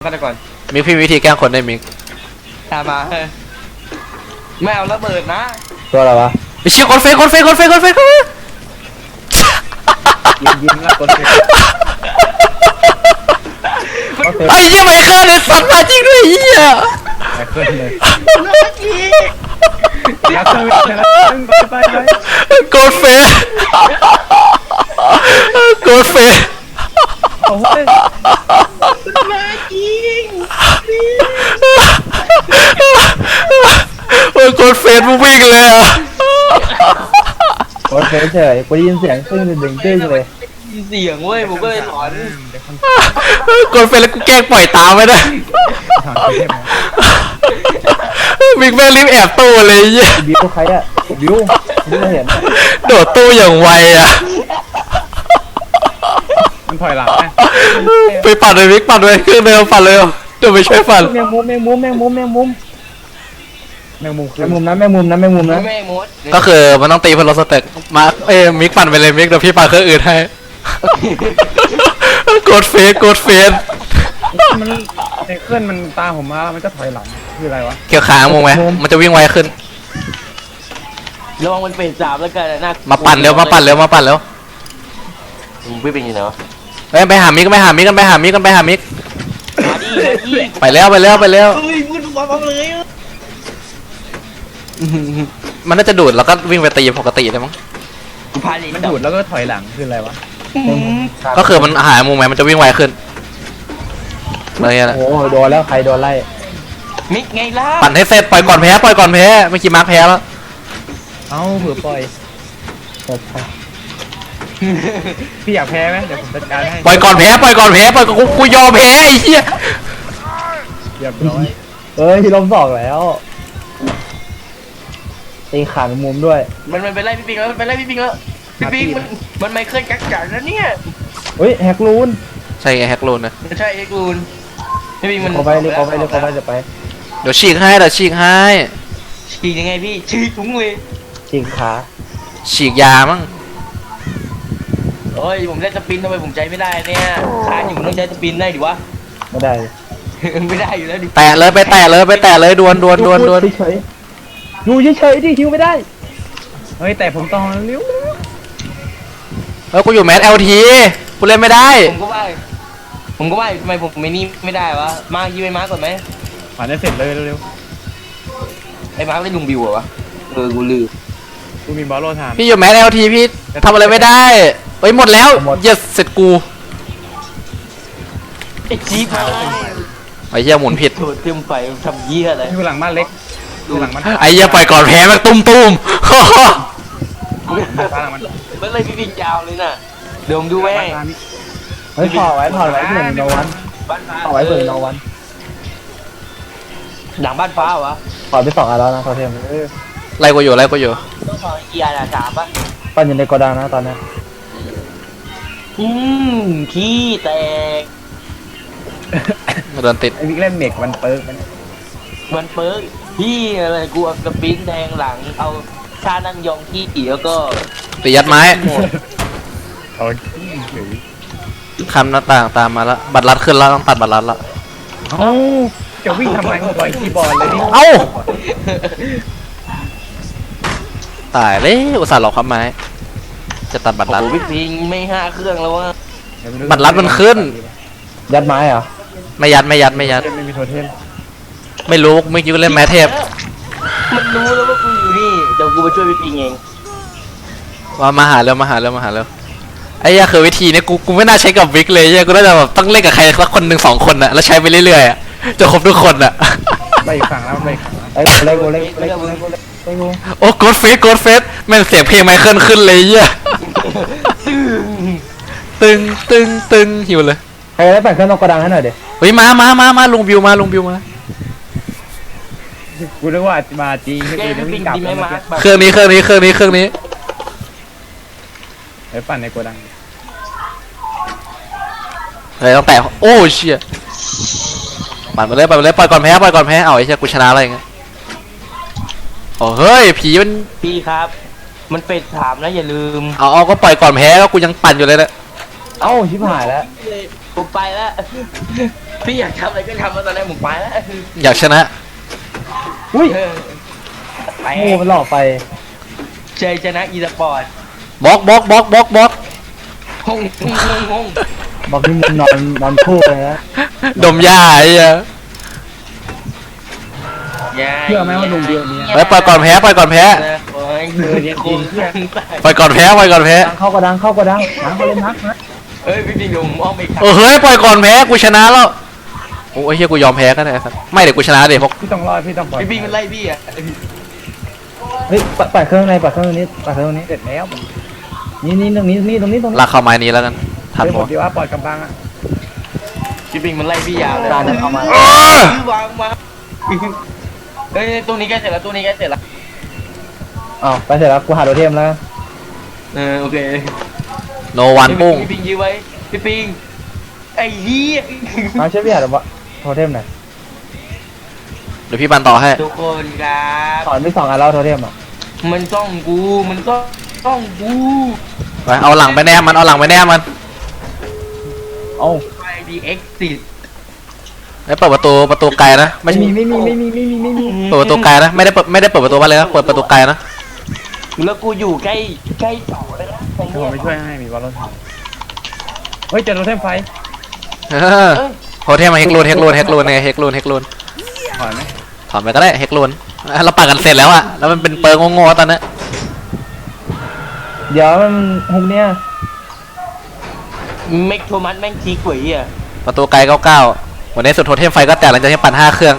ฆาตกรมิกพี่วิธีแกล้งคนได้มิกตามมาไม่เอาระเบิดนะตัวอะไรวะไปเชี่ยคนเฟกยิงแล้วกดเไอ้เหี้ยไมเคิลเลยสัตว์มาจริงด้วยไอ้เหี้ยไปขึ้นเลยอยากไปโกดเฟสโอ้ยมาจริงโอ้ยโกดเฟสมึงวิ่งเลยอ่ะกดเฉยกูได้ยินเสียงตึ้งดึงตึ้งเลยมีเสียงเว้ยผมก็เลยถอนโกดเฟสแล้วกูแกล้งปล่อยตามไม่ได้มิกแม่งรีบแอบตู้เลยไอ้เหี้ยบิวใครอะบิวไม่เห็นโดดตู้อย่างไวอ่ะมันถอยหลังไปปั่นเลยมิกปั่นเลยเครื่องเดิมปั่นเลยเดี๋ยวไปช่วยปั่นแมงมุมนะแมงมุมนะแมงมุมนะแม่มดก็คือมันต้องตีเพื่อลดสเต็กมามิกปั่นไปเลยมิกเดี๋ยวพี่ปั่นเครื่องอื่นให้โกดเฟสมันในเคลื่อนมันตามผมมาแล้วมันก็ถอยหลังคืออะไรวะเกี่ยวขางงไหมมันจะวิ่งไวขึ้นระวังมันเป็นสามแล้วกันนะมาปั่นเร็วพี่เป็นยังไงวะไปหามิกกันไปหามิกมาดิไปแล้วเฮ้ยพูดมาเลยมันน่าจะดูดแล้วก็วิ่งไปตีปกติได้มั้งกูพาเลยมันดูดแล้วก็ถอยหลังคืออะไรวะก็คือมันหายมุมไหมมันจะวิ่งไวขึ้นอะไรเงี้ยโอ้โดนแล้วใครโดนไล่มิกไงล่ะปั่นให้เสร็จปล่อยก่อนแพ้เมื่อกี้มาร์คแพ้แล้วเอ้าเผื่อปล่อยพี่อยากแพ้ไหมเดี๋ยวผมจัดการให้ปล่อยก่อนแพ้กูยอมแพ้ไอ้เหี้ยเรียบร้อยเอ้ยล้มสองแล้วตีขาแมงมุมด้วยมันไปไล่พี่ปิงแล้วพี่ปิงมันไม่เคยกักกันนะเนี่ยเฮ้ยแฮกลูนใช่ไงแฮกลูนนะใช่ไอ้กูนพี่ปิงมันเขาไปเลยจะไปเดี๋ยวฉีกให้ฉีกยังไงพี่ฉีกถุงเลยจิงขาฉีกยามั้งโอ้ยผมได้สปินทำไมผมใจไม่ได้เนี่ยคานอยู่ต้องใช้สปินได้ดิวะไม่ได้ไม่ได้อยู่แล้วดิแตะเลยดวนเฉยอยู่เฉยดิฮิวไม่ได้เฮ้ยแต่ผมต้องเลี้ยวกูอยู่แมส LT กูเล่นไม่ได้ผมก็ว่าทำไมผมไม่ได้วะมายิงไปมาก่อนไหมผ่านได้เสร็จเลยเร็วไอ้มาร์คได้ลุงบิวเหรอวะกูลืมๆกูมีบอลโลทานพี่อยู่แมส LT พี่ทำอะไรไม่ได้เฮ้ยหมดแล้วเหี้ยเสร็จกูไอ้จี๊ดมาไอ้เหี้ยหมุนผิดโดดเต็มไฟทำเยี่ยอะไรอยู่หลังบ้านเล็กอยู่หลังบ้านไอ้เหี้ยปล่อยก่อนแพ้มันตุ้มบ้านหลังมันมันเลยพี่ปิงยาวเลยน่ะเดี๋ยวผมดูแม่งเฮ้ยถอดไว้เผื่อโนวันบ้านฟ้าถอดไว้เผื่อโนวันหลังบ้านฟ้าวะถอดไป2 อันแล้วนะโทเทมไล่กูอยู่ต้องถอดเกียร์สามปะปั้นอยู่ในโกดังนะตอนนี้ขี้แตกโดนติดไอ้วิกเล่นเมกมันเปิร์กมันมันเปิร์กพี่อะไรกูเอาสปินแทงหลังเอาชานั่งยองขี้แล้วก็ตียัดไม้เอาเฉยคำหน้าต่างตามมาแล้วบัตรลัดขึ้นแล้วต้องตัดบัตรลัดละเอ้าจะวิ่งทำไมกูปล่อยคีย์บอร์ดเลยนี่เอ้าตายเลยอุตส่าห์หลอกครับไม้จะตัดบัตรลัดโอ้พี่ปิงไม่5 เครื่องแล้ววะบัตรลัดมันขึ้นยัดไม้เหรอไม่ยัดไม่มีโทเทมไม่รู้เมื่อกี้กูเล่นแมทเทพมันรู้แล้วว่ากูอยู่นี่เดี๋ยวกูไปช่วยพี่ปิงเองว่ามาหาเร็วไอ้เหี้ยคือวิธีเนี้ยกูไม่น่าใช้กับวิกเลยเหี้ยกูน่าจะแบบต้องเล่นกับใครสักคนหนึ่ง2 คนอะแล้วใช้ไปเรื่อยๆอะจะครบทุกคนอะไปอีกฝั่งแล้วไปอีกฝั่งแล้วไอ้เล็กกูโอ้โกดเฟสแม่งเสียงเพลงไมเคิลขึ้นเลยเหี้ยตึงหิวเลยใครได้ปั่นเครื่องนกกระดังให้หน่อยดิเฮ้ยมาลุงบิวมากูนึกว่ามาจริงไม่แกกูจะพี่ปิวิ่งงกลับดีไหมแล้วมาร์คแบบเครื่องนี้ไปปั่นในโกดังเฮ้ยต้องแตะโอ้เชี่ยปั่นไปเลยปล่อยก่อนแพ้เอาไอ้เชี่ยกูชนะอะไรเงี้ยโอ้เฮ้ยผีมันพี่ครับ มันเป็ดถามนะอย่าลืมเอาก็ปล่อยก่อนแพ้ก็กูยังปั่นอยู่เลยนะเอ้าชิบหายแล้วผมไปแล้วพี่อยากทำอะไรก็ทำมาตอนแรกผมไปแล้วอยากชนะอุ้ยเออไปโอ้มันหลอกไปเจชนะอีสปอร์ตบล็อกบล็อกบล็อกบล็อกบล็อกห้องห้องบอกที่มึงนอนคู่เลยนะดมยาไอ้เหี้ยเชื่อไหมว่าลุงเดียวนี้ไปปล่อยก่อนแพ้ปล่อยก่อนแพ้โอ้ยโคตรปล่อยก่อนแพ้ปล่อยก่อนแพ้ดังเข้ากระดังเข้ากระดังนักเขาเล่นนักนะเอ้ยพี่ปิงผมอ้อมไปครับเฮ้ยปล่อยก่อนแพ้กูชนะแล้วโอ้ยเฮียกูยอมแพ้ก็ได้สัสไม่เดี๋ยวกูชนะเดี๋ยวพวกพี่ต้องรอดพี่ต้องปล่อยพี่ปิงมันไล่พี่อ่ะเฮ้ยปัดเครื่องในปัดเครื่องนี้ปัดเครื่องนี้เสร็จแล้วนี่ตรงนี้ลากเข้าไม้นี้แล้วกันทันเดี๋ยวหผม มดีว่าปล่อยกำบังอ่ะพี่ปิงมันไล่พี่ยาวเลยตาเนี่ยเอามาวางมาเฮ้ยตัวนี้ใกล้เสร็จแล้วตัวนี้ใกล้เสร็จแล้วอ้าวไปเสร็จแล้วกูหาโดเทมแล้วโอเคโนวันปุ้งพี่ปิงยื้อไว้พี่ปิงไอ้เหี้ยมาช่วยพี่หาโทเทมหน่อยเดี๋ยวพี่บันต่อให้ทุกคนครับสอนไม่2 อันแล้วโทเทมอ่ะมันต้องกูไปเอาหลังไปแนมมันเอาหลังไปแนมมันเอ้าไปดีเอ็กซิสไอ้เปิดประตูไกลนะไม่ไม่ใช่มีเปิดประตูไกลนะไม่ได้เปิดประตูบ้านเลยนะเปิดประตูไกลนะแล้วกูอยู่ใกล้เสาเลยนะเดี๋ยวผมไปช่วยให้มีวอลลุ่นเฮ้ยเจอโทเทมไฟเออโฮเทลมาเฮกลูนไงเฮกลูนถอยไหมถอนไปก็ได้เฮกลูนเราปัดกันเสร็จแล้วอะแล้วมันเป็นเปิงงงๆตอนนี้เดี๋ยวมันฮุกเนี่ยเมกโทมัสแม่งทีกว่าอ่ะประตูไกล99วันนี้สุดโทเทมไฟก็แตกหลังจากที่ปั่น5เครื่อง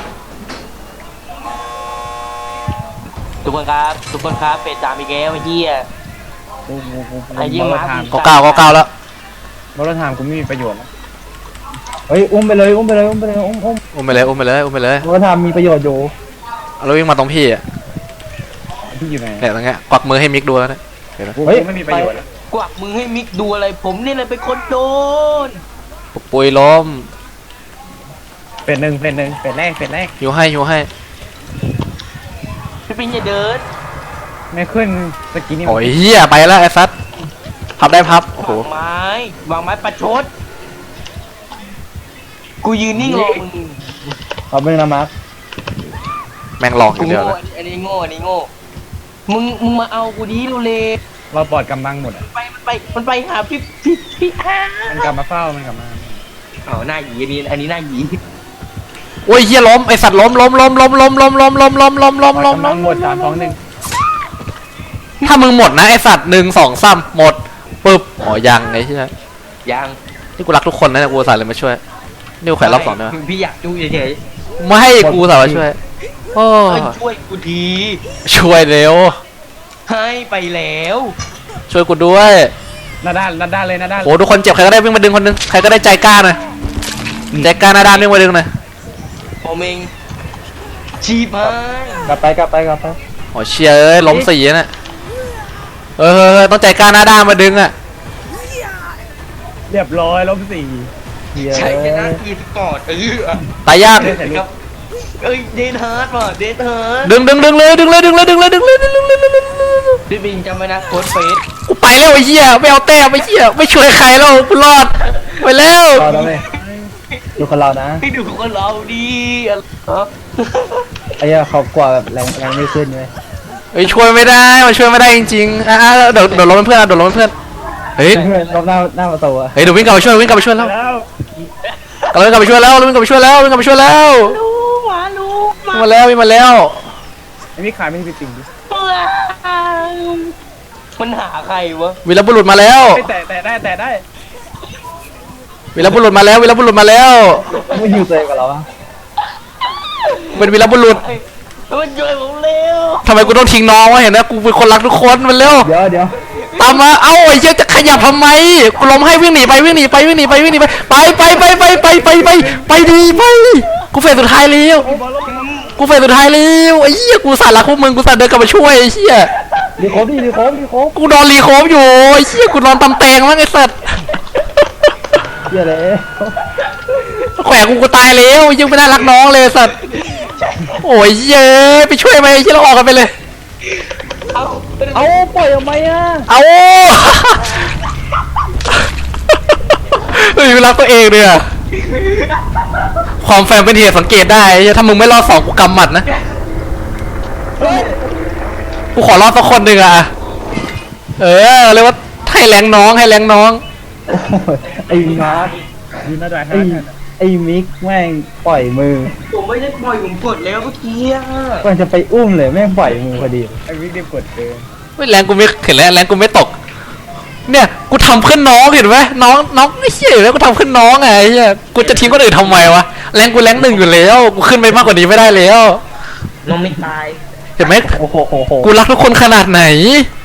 ทุกคนครับเป็ดตามอีกแล้วไอ้เหี้ยกูไอ้เหี้ยบอลมาทาม 99แล้วบอลทามกูไม่มีประโยชน์แล้วเฮ้ยอุ้มไปเลยอุ้มอุ้มไปเลยเพราะว่าทำมีประโยชน์อยู่เราวิ่งมาตรงพี่อะพี่อยู่ไหนเนี่ยตรงเงี้ยกวักมือให้มิกดูแล้วนะกูไม่มีประโยชน์แล้วกวักมือให้มิกดูอะไรผมนี่แหละเป็นคนโดนปุยล้มเป็นหนึ่งเป็นแรกหิวให้พี่ปิงอย่าเดินไม่ขึ้นสกินนี่โอ้ยเหี้ยไปแล้วไอ้ซัดพับได้พับโอ้โหวางไม้ประชดกูยืนนิ่งรอมึงขอบคุณนะมาร์คแม่งหลอกอกูย่างเดียวโง่เลยอันนี้โง่มึงมาเอากูดีเร็วเราปลอดกำบังหมดอ่ะมันไปหาพี่อ้ามันกลับมาเฝ้ามันกลับมาหน้าหยีอันนี้หน้าหยีโอ้ยเหี้ยล้มไอ้สัตว์ล้มปล่อยกำบังหมด3 2 1 ถ้ามึงหมดนะไอ้สัตว์1 2 3หมดปึ๊บอ๋อยังไอ้เหี้ยยังนี่กูรักทุกคนนะเนี่ยกูอุตสาห์เลยมาช่วยนี่กูแขวนรอบ2ด้วยพี่อยากดูเฉยไม่ให้กูอุตสาห์มาช่วยโอ้ๆช่วยกูทีช่วยเร็วให้ไปแล้วช่วยกูด้วยหน้าด้านเลยหน้าด้านโหทุกคนเจ็บใครก็ได้วิ่งมาดึงคนนึงใครก็ได้ใจกล้าหน่อยใจกล้าหน้าด้านวิ่งมาดึงหน่อยผมเองชีพายกลับไปโอ้เชียเอ้ยล้ม4น่ะต้องใจกล้าหน้าด้านมาดึงอ่ะเรียบร้อยล้ม4 เฮียใช่ชนะอีสปอร์ตตายยากครับเอ้ยเดนฮาร์ดว่ะเดนฮาร์ดดึงเลยพี่บิงจำไว้นะโค้ดเฟสกูไปแล้วไอ้เหี้ยไม่เอาแต้มไอ้เหี้ยไม่ช่วยใครแล้วกูรอดไปแล้วรอแล้วไหมดูคนเรานะให้ดูคนเราดีอ๋อไอ้เหี้ยเขากว่าแบบแรงไม่ขึ้นเลยเฮ้ยช่วยไม่ได้มันช่วยไม่ได้จริงๆเดี๋ยวล้มเป็นเพื่อนเฮ้ยรอบหน้าประตูอะเดี๋ยววิ่งกลับไปช่วยแล้วแล้ววิ่งกลับไปช่วยแล้วมาแล้วไอ้นี่ขายไม่ได้จริงดิมันหาใครวะวีรบุรุษมาแล้วแต่ได้วีรบุรุษมาแล้วไม่อยู่ตัวเองกับเราอะเป็นวีรบุรุษมันช่วยผมเร็วทำไมกูต้องทิ้งน้องวะเห็นนะกูเป็นคนรักทุกคนมันเร็วเดี๋ยวตามมาเอ้าไอ้เหี้ยจะขยับทำไมกูล้มให้วิ่งหนีไปดีกูเฟสสุดท้ายแล้วไอ้เหี้ยกูสารรักพวกมึงกูสารเดินกลับมาช่วยไอ้เหี้ยรีโคฟกูนอนรีโคฟอยู่ไอ้เหี้ยกูนอนตำแตงมั้งไอ้สัตว์เฮียเลยแขวะกูตายแล้วยังไม่น่ารักน้องเลยสัตว์โอ้ยเย้ไปช่วยไหมไอ้เหี้ยเราออกกันไปเลยเอาปล่อยออกมาอะเอาเฮ้ยรักตัวเองเลยอะความแฟร์เป็นเหตุสังเกตได้ไอ้เหี้ยถ้ามึงไม่รอดสองกูกำหมัดนะกูขอรอดสักคนหนึ่งอ่ะเออเรียกว่าให้แรงน้องให้แรงน้องโอ้ยไอ้มาร์คยืนได้ไอ้ฮะไอ้มิกแม่งปล่อยมือผมไม่ได้ปล่อยผมกดแล้วเมื่อกี้อะมันจะไปอุ้มเลยแม่งปล่อยมือพอดีไอ้วิกเดียกดเกินเฮ้ยแรงกูไม่เห็นแล้วแรงกูไม่ตก เนี่ยกูทำเพื่อนน้องเห็นไหมน้องไอ้เหี้ยแล้วกูทำเพื่อนน้องไงไอ้เหี้ยกูจะทิ้งคนอื่นทำไมวะแรงกูแรงหนึ่งอยู่แล้วกูขึ้นไปมากกว่านี้ไม่ได้แล้วน้องไม่ตายเห็นไหมโอ้โหกูรักทุกคนขนาดไหน